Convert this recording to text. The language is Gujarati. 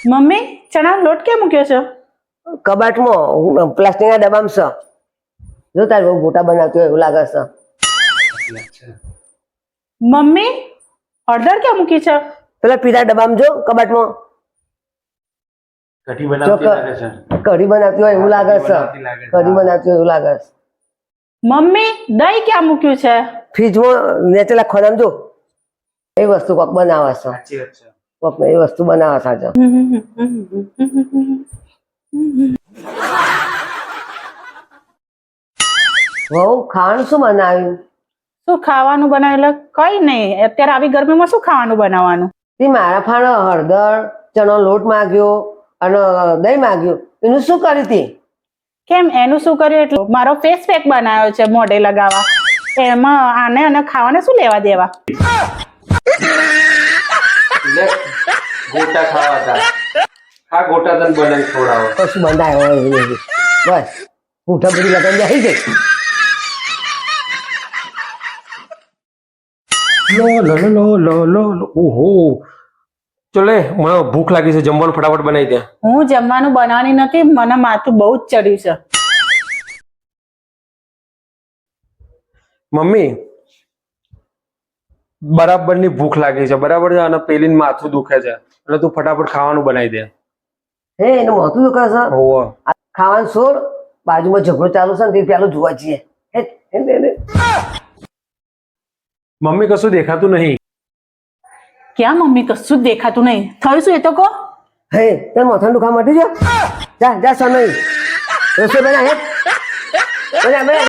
મમ્મી ચણા લોટ ક્યાં મૂક્યો છે? કબાટમાં પ્લાસ્ટિકના ડબ્બામાં છે. જો તારે બહુ મોટા બનાવતી હોય એવું લાગે છે. મમ્મી હળદર ક્યાં મૂકી છે? પેલા પીળા ડબ્બામાં જો કબાટમાં કઢી બનાવતી લાગે છે. કઢી બનાવતી હોય એવું લાગે છે. કઢી બનાવતી હોય એવું લાગે છે. મમ્મી દહીં ક્યાં મૂક્યું છે? ફ્રીજમાં નેચેલા ખોરામ જો એ વસ્તુ કોક બનાવે છે. સાચી વાત છે. કોક એ વસ્તુ બનાવે છે આજે. વહુ ખાવાનું શું બનાવ્યું? શું ખાવાનું બનાવેલું? કઈ નહીં, અત્યારે આવી ગરમીમાં શું ખાવાનું બનાવવાનું? તે મારા ફાળો હળદર ચણો લોટ માગ્યો અને દહીં માગ્યું. એનું શું કરી હતી? કેમ એનું શું કર્યું? એટલે મારો ફેસ પેક બનાવ્યો છે મોઢે લગાવવા, એમાં આને અને ખાવાને શું લેવા દેવા? એટલે ગોટા ખાવા હતા. આ ગોટા તને બનાવી ખવડાવો. કશું બંધાય હોય એવું નથી. બસ પૂઠા બધી લગાવી જાય ગઈ. ઓહો ચલે મને ભૂખ લાગી છે, જમવાનું ફટાફટ બનાવી દે. હું જમવાનું બનાવવાની નથી, મને માથું બહુ જ ચડ્યું છે. મમ્મી બરાબરની ભૂખ લાગી છે, બરાબર છે, અને પેલીને માથું દુખે છે, એટલે તું ફટાફટ ખાવાનું બનાવી દે. હે એનું મોતું દુખે છે. હોવે. ખાવાનું છોડ, બાજુમાં ઝઘડો ચાલુ છે ને તે પેલું જોવા જઈએ. મમ્મી કશું દેખાતું નહીં. ક્યાં મમ્મી? કશું જ દેખાતું નહીં. થયું શું એ તો કહો. હે તને માથાનું દુખાવા મટી ગયો? જા જા સનઈ રસોઈ બના હે બના બના